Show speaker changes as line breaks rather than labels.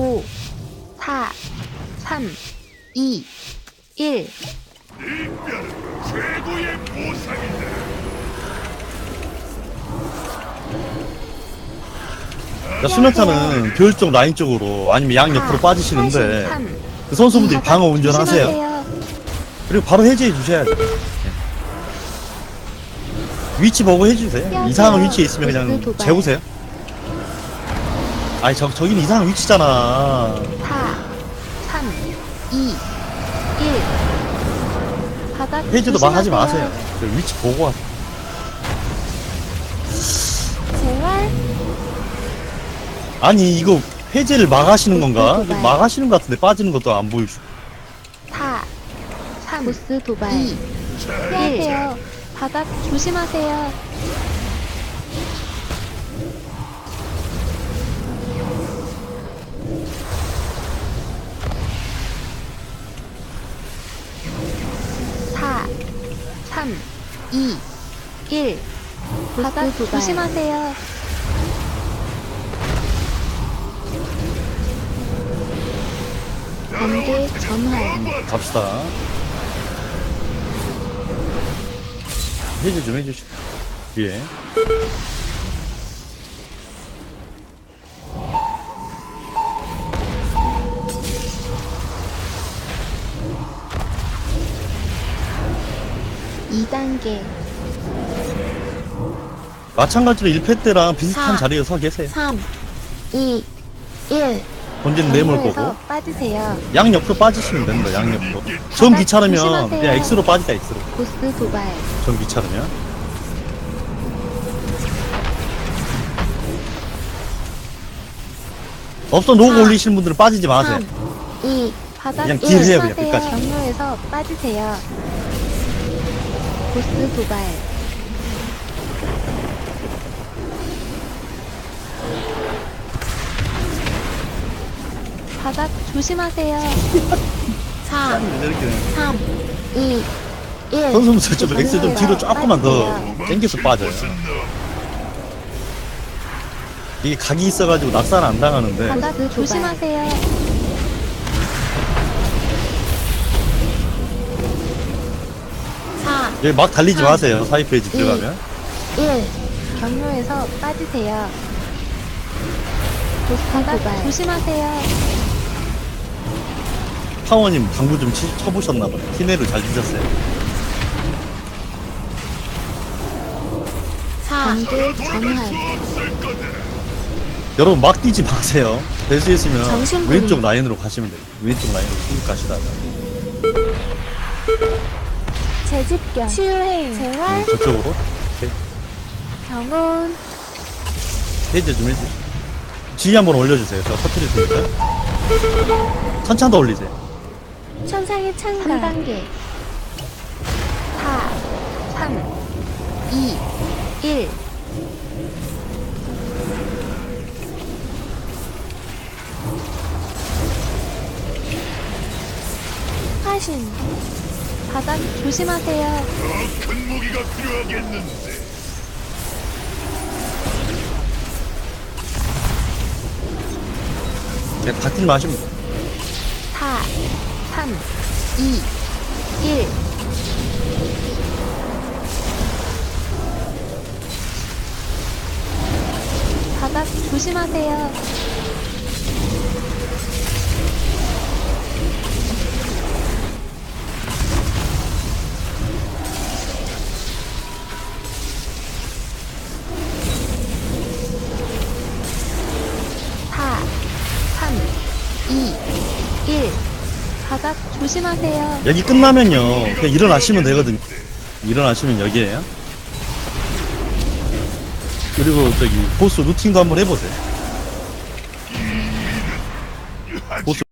5, 4, 3, 2, 1.
최고의 보상이다.
수면차는 별 쪽 라인 쪽으로 아니면 양 옆으로 빠지시는데 그 선수분들이 방어 운전하세요. 그리고 바로 해제해 주셔야 돼요. 위치 보고 해주세요. 이상한 위치에 있으면 그냥 재우세요. 아니 저기는 이상한 위치잖아.
4, 3, 2, 1. 바닥
해제도 막 하지
조심하세요.
마세요. 그 위치 보고 하세요.
제발.
아니 이거 해제를 막하시는 건가? 막하시는 것 같은데 빠지는 것도 안 보이시고.
4, 3, 보스 도발. 2, 피하세요. 바닥 조심하세요. 사, 3, 2, 1. 바닥 조심하세요. 번개 전환.
갑시다. 해제 좀 해주시고. 예.
이 단계
마찬가지로 1패 때랑 비슷한
4,
자리에 서 계세요.
3, 2, 1.
본진 내몰 거고.
경로에서 빠지세요.
양 옆으로 빠지시면 됩니다. 양 옆으로. 전 귀찮으면
조심하세요.
그냥 X로 빠지자 X로.
보스 도발.
전 귀찮으면. 없어 노고
4,
올리시는 분들은 빠지지 마세요.
3, 2. 바닥
그냥 딜해요, 그냥
조심하세요.
끝까지.
경로에서 빠지세요. 보스 도발. 바닥 조심하세요. 4,
이렇게
3, 2, 1.
선수분들 좀 X 좀 뒤로 조금만 더 당겨서 빠져요. 이게 각이 있어가지고 낙사는 안 당하는데
바닥 조심하세요. 4,
여기 막 달리지 마세요. 사이 페이지 들어가면.
1. 경로에서 빠지세요. 바닥 조심하세요.
파워님 방구 좀 쳐보셨나봐요. 티네를 잘 드셨어요.
4, 번개 전환.
여러분 막 뛰지 마세요. 될 수 있으면
정신분리.
왼쪽 라인으로 가시면 돼요. 왼쪽 라인으로 쭉 가시다가
재집견. 치유해임. 재활.
저쪽으로
병원.
해제 좀 해주세요. 지휘 한번 올려주세요. 제가 터트릴 테니까. 천천히 더 올리세요.
천상의 창가. 3단계. 4, 3, 2, 1. 화신. 바닥 조심하세요.
큰 무기가 필요하겠는데.
그냥 바뀌지 마시면 돼요.
4, 3, 2, 1. 바닥 조심하세요. 바닥 조심하세요.
여기 끝나면요 그냥 일어나시면 되거든요. 일어나시면 여기에요. 그리고 저기 보스 루팅도 한번 해보세요. 보스